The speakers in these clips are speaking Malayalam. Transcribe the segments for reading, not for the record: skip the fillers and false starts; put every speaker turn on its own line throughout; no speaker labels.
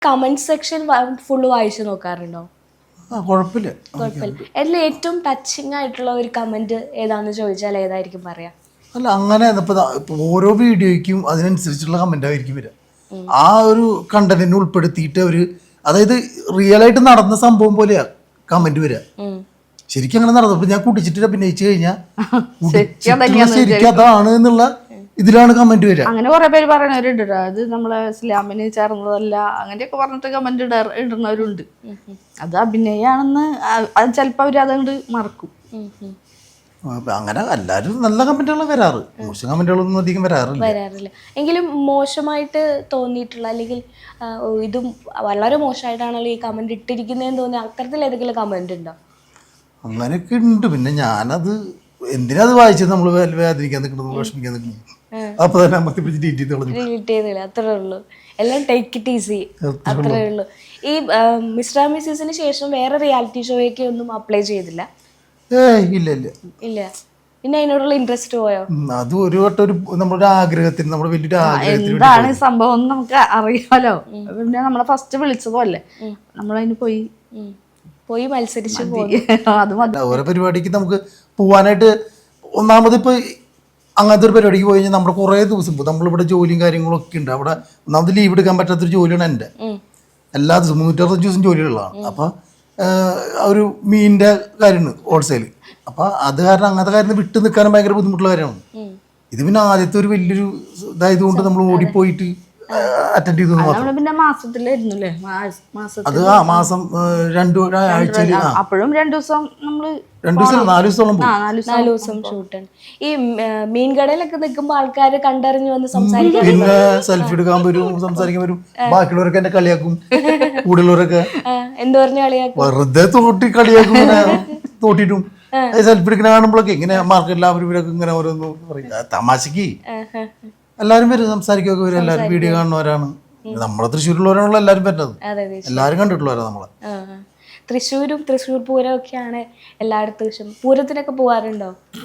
കമന്റ് സെക്ഷൻ ഫുള്ള് വായിച്ചു നോക്കാറുണ്ടോ?
കുഴപ്പമില്ല.
അതിൽ ഏറ്റവും ടച്ചിങ് ആയിട്ടുള്ള ഒരു കമന്റ് ഏതാന്ന് ചോദിച്ചാൽ ഏതായിരിക്കും പറയാ?
അല്ല, അങ്ങനെ ഇപ്പൊ ഓരോ വീഡിയോയ്ക്കും അതിനനുസരിച്ചുള്ള കമന്റ് ആയിരിക്കും വരിക. ആ ഒരു കണ്ടന്റിനെ ഉൾപ്പെടുത്തിയിട്ട് അവര്, അതായത് റിയൽ ആയിട്ട് നടന്ന സംഭവം പോലെയാ കമന്റ് വരിക. ശരിക്കും അങ്ങനെ നടന്നു. ഇപ്പൊ ഞാൻ കുടിച്ചിട്ട് അഭിനയിച്ചു കഴിഞ്ഞാൽ ശരിക്കും അതാണ് എന്നുള്ള ഇതിലാണ് കമന്റ് വരിക.
അങ്ങനെ കുറെ പേര് പറയണവരുണ്ട്. അത് നമ്മളെ ഇസ്ലാമിന് ചേർന്നതല്ല അങ്ങനെയൊക്കെ പറഞ്ഞിട്ട് കമന്റ് ഇടുന്നവരുണ്ട്. അത് അഭിനയാണെന്ന് ചിലപ്പോ അവര് അതുകൊണ്ട് മറക്കും.
അങ്ങനെ എല്ലാവരും നല്ല കമന്റുകൾ വരാറ്, മോശം കമന്റുകളൊന്നും അധികം വരാറില്ല.
എങ്കിലും മോശമായിട്ട് തോന്നിയിട്ടുള്ള, അല്ലെങ്കിൽ ഇതും വളരെ മോശമായിട്ടാണല്ലോ ഈ കമന്റ് ഇട്ടിരിക്കുന്നതെന്ന് തോന്നിയ അത്തരത്തിൽ ഏതെങ്കിലും കമന്റ് ഉണ്ടോ?
അങ്ങനെയൊക്കെ ഉണ്ട്. പിന്നെ ഞാനത് എന്തിനാ അത് വായിച്ചത്, നമ്മൾ വേദനിക്കാൻ നിൽക്കുന്നത്, വിഷമിക്കാൻ നിൽക്കുന്നത്, അപ്പൊ തന്നെ
ഡിലീറ്റ് ചെയ്തില്ല. അത്രേ ഉള്ളൂ. എല്ലാം ടേക്ക് ഇറ്റ് ഈസി, അത്രേ ഉള്ളൂ. ഈ മിസ്റ്റർ മിസ്സിന് ശേഷം വേറെ റിയാലിറ്റി ഷോയൊക്കെ ഒന്നും അപ്ലൈ ചെയ്തില്ല?
ഇല്ല.
പിന്നെ അതിനോടുള്ള ഇൻട്രസ്റ്റ് പോയോ?
അത് ഒരു വട്ടം നമ്മുടെ ആഗ്രഹത്തിന്, നമ്മുടെ വലിയൊരു ആഗ്രഹത്തിന്
എന്താണ് സംഭവം നമുക്ക് അറിയാലോ. പിന്നെ നമ്മളെ ഫസ്റ്റ് വിളിച്ചതല്ലേ, നമ്മളതിന് പോയി മത്സരിച്ച് അത്
ഓരോ പരിപാടിക്ക് നമുക്ക് പോവാനായിട്ട്. ഒന്നാമത് ഇപ്പൊ അങ്ങനത്തെ ഒരു പരിപാടിക്ക് പോയി കഴിഞ്ഞാൽ നമ്മുടെ കുറേ ദിവസം പോകും. നമ്മളിവിടെ ജോലിയും കാര്യങ്ങളൊക്കെ ഉണ്ട്. അവിടെ ഒന്നാമത് ലീവ് എടുക്കാൻ പറ്റാത്തൊരു ജോലിയാണ് എൻ്റെ. എല്ലാ ദിവസവും 365 ദിവസം ജോലിയുള്ളതാണ്. അപ്പൊ ഒരു മീനിന്റെ കാര്യമാണ് ഹോൾസെയിൽ. അപ്പൊ അത് കാരണം അങ്ങനത്തെ കാര്യം വിട്ടു നിൽക്കാനും ഭയങ്കര ബുദ്ധിമുട്ടുള്ള കാര്യമാണ്. ഇത് പിന്നെ ആദ്യത്തെ ഒരു വലിയൊരു ഇതായത് കൊണ്ട് നമ്മൾ ഓടിപ്പോയിട്ട് അറ്റൻഡ് ചെയ്തു.
പിന്നെ മാസത്തിലായിരുന്നല്ലേ,
അത് മാസം 2 ആഴ്ചയിൽ
അപ്പോഴും 2 ദിവസം നമ്മള്
2 ദിവസം 4 ദിവസത്തോളം
4 ദിവസം ഷൂട്ടാണ്. ഈ മീൻ കടയിലൊക്കെ നിൽക്കുമ്പോ ആൾക്കാര് കണ്ടറിഞ്ഞു വന്ന് സംസാരിക്കാൻ,
പിന്നെ സെൽഫി എടുക്കാൻ വരും, സംസാരിക്കാൻ വരും. ബാക്കിയുള്ളവരൊക്കെ എന്നെ കളിയാക്കും, കൂടുതലുള്ളവരൊക്കെ
എന്ത് പറഞ്ഞു കളിയാക്കും,
വെറുതെ തോട്ടി കളിയാക്കും. തോട്ടിട്ടും സെൽഫി എടുക്കുന്ന കാണുമ്പോഴൊക്കെ ഇങ്ങനെ മാർക്കറ്റിൽ അവരൊക്കെ ഇങ്ങനെ ഓരോന്ന് പറയും തമാശക്ക്. എല്ലാരും വരും, സംസാരിക്കുകയൊക്കെ വരും. എല്ലാരും വീഡിയോ കാണുന്നവരാണ്. നമ്മളെ തൃശ്ശൂരുള്ളവരാണല്ലോ എല്ലാരും പറ്റുന്നത്. എല്ലാരും കണ്ടിട്ടുള്ളവരാ നമ്മളെ.
തൃശ്ശൂരും തൃശ്ശൂർ പൂരം ഒക്കെയാണ് എല്ലായിടത്തും. പൂരത്തിനൊക്കെ പോവാറുണ്ടോ?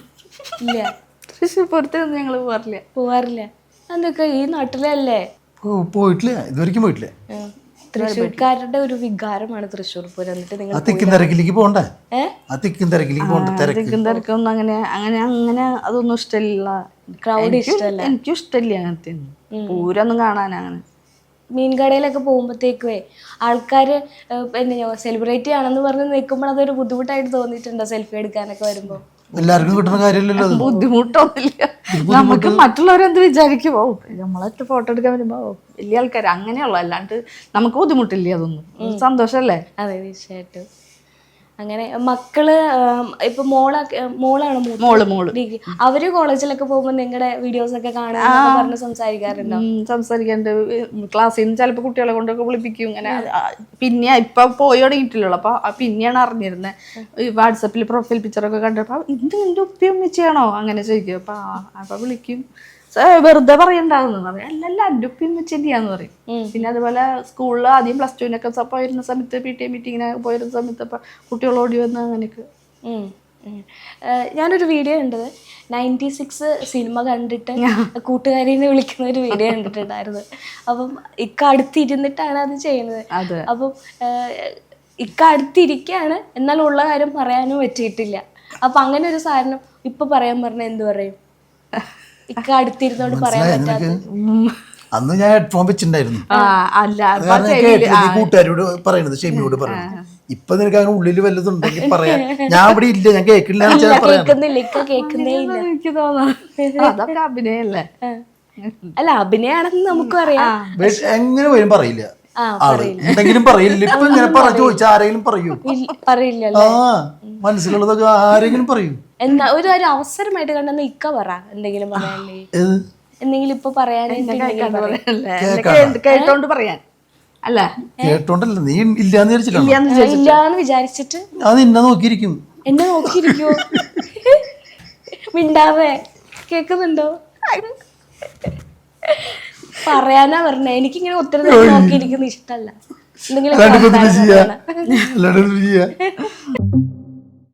ഇല്ല,
തൃശ്ശൂർ പൂരത്തിനൊന്നും ഞങ്ങള്
പോവാറില്ല. അതൊക്കെ ഈ നാട്ടിലല്ലേ?
പോയിട്ടില്ല, ഇതുവരെയ്ക്കും പോയിട്ടില്ല.
തൃശ്ശൂർക്കാരുടെ ഒരു വികാരമാണ് തൃശ്ശൂർ പൂരം. എന്നിട്ട് നിങ്ങൾ
തിക്കും തിരക്കിലേക്ക് പോകണ്ടേ? തിക്കും
തിരക്കൊന്നും അങ്ങനെ അതൊന്നും ഇഷ്ടമില്ല.
ക്രൗഡ് ഇഷ്ടമല്ല.
എനിക്കും ഇഷ്ടമില്ല അങ്ങനത്തെ പൂരൊന്നും കാണാൻ. അങ്ങനെ
മീൻകടയിലൊക്കെ പോകുമ്പോഴത്തേക്കുവേ ആൾക്കാര് സെലിബ്രേറ്റ് ആണെന്ന് പറഞ്ഞ് നിൽക്കുമ്പോൾ അതൊരു ബുദ്ധിമുട്ടായിട്ട് തോന്നിയിട്ടുണ്ടോ സെൽഫി എടുക്കാനൊക്കെ വരുമ്പോ?
എല്ലാവർക്കും കിട്ടുന്ന കാര്യമല്ലല്ലോ.
ബുദ്ധിമുട്ടൊന്നുമില്ല. നമുക്ക് മറ്റുള്ളവരെന്ത് വിചാരിക്കുമോ, നമ്മളൊക്കെ ഫോട്ടോ എടുക്കാൻ വരുമ്പോ വലിയ ആൾക്കാർ അങ്ങനെയുള്ളു. അല്ലാണ്ട് നമുക്ക് ബുദ്ധിമുട്ടില്ല. അതൊന്നും സന്തോഷല്ലേ?
അതെ, തീർച്ചയായിട്ടും. അങ്ങനെ മക്കള് ഇപ്പൊ മോളാണ് ഡിഗ്രി. അവര് കോളേജിലൊക്കെ പോകുമ്പോ നിങ്ങളുടെ വീഡിയോസ് ഒക്കെ കാണാൻ പറഞ്ഞ് സംസാരിക്കാറുണ്ടോ?
സംസാരിക്കാറുണ്ട്. ക്ലാസ്സിൽ നിന്ന് ചിലപ്പോ കുട്ടികളെ കൊണ്ടൊക്കെ വിളിപ്പിക്കും. ഇങ്ങനെ പിന്നെ ഇപ്പൊ പോയി തുടങ്ങിയിട്ടില്ലല്ലോ. അപ്പൊ പിന്നെയാണ് അറിഞ്ഞിരുന്നത്. വാട്സപ്പിൽ പ്രൊഫൈൽ പിക്ചറൊക്കെ കണ്ടപ്പോ ഇത് നിന്റെ ഉപ്പയും വെച്ചാണോ അങ്ങനെ ചോദിക്കും. അപ്പൊ വിളിക്കും. വെറുതെ പറയണ്ടാവുന്നു പറയും. അല്ലല്ല എൻ്റെ ഉപ്പയും വെച്ചെന്നെയാന്ന് പറയും. പിന്നെ അതുപോലെ സ്കൂളിൽ ആദ്യം +2 പോയിരുന്ന സമയത്ത് PTA മീറ്റിങ്ങിനൊക്കെ പോയിരുന്ന സമയത്ത് അപ്പൊ കുട്ടികളോടി വന്ന് അങ്ങനെയൊക്കെ.
ഞാനൊരു വീഡിയോ കണ്ടത് 96 സിനിമ കണ്ടിട്ട് കൂട്ടുകാരിനെ വിളിക്കുന്ന ഒരു വീഡിയോ കണ്ടിട്ടുണ്ടായിരുന്നു. അപ്പം അടുത്തിരുന്നിട്ടാണ് അത് ചെയ്യുന്നത്. അപ്പം അടുത്തിരിക്കുകയാണ്, എന്നാൽ ഉള്ള കാര്യം പറയാനും പറ്റിയിട്ടില്ല. അപ്പൊ അങ്ങനെ ഒരു സാധനം ഇപ്പൊ പറയാൻ പറഞ്ഞാൽ എന്ത് പറയും? അടുത്തിരുന്നോണ്ട് പറയാൻ പറ്റാത്ത.
അന്ന് ഞാൻ ഹെഡ്ഫോൺ വെച്ചിട്ടുണ്ടായിരുന്നു. കൂട്ടുകാരോട് പറയണത്, ഷെമിയോട് പറയണത്. ഇപ്പൊ നിനക്ക് അങ്ങനെ ഉള്ളിൽ വല്ലതും ഉണ്ടെങ്കിൽ പറയാൻ. ഞാൻ ഇവിടെ ഇല്ല, ഞാൻ കേൾക്കില്ല.
അതൊക്കെ അഭിനയല്ലേ?
അല്ല, അഭിനയാണെന്ന് നമുക്കും അറിയാം.
എങ്ങനെ വരും പറയില്ല. എന്തെങ്കിലും പറയില്ല. ഇപ്പൊ ഇങ്ങനെ ചോദിച്ചാൽ ആരെങ്കിലും
പറയില്ലല്ലോ.
മനസ്സിലുള്ളതൊക്കെ ആരെങ്കിലും പറയൂ.
എന്നാ ഒരു അവസരമായിട്ട് കണ്ടെന്ന് പറ എന്തെങ്കിലും പറയാനേ, എന്തെങ്കിലും ഇപ്പൊ
കേട്ടോണ്ട് പറയാൻ. അല്ല
കേട്ടോണ്ടല്ല, നീ ഇല്ലാന്ന്
വിചാരിച്ചിട്ട്
അത് എന്നെ നോക്കിയിരിക്കും.
മിണ്ടാവേ, കേക്കുന്നുണ്ടോ? പറയാനാ പറഞ്ഞ. എനിക്കിങ്ങനെ ഒത്തിരി നേരം നോക്കിയിരിക്കുന്ന ഇഷ്ടല്ല. എന്തെങ്കിലും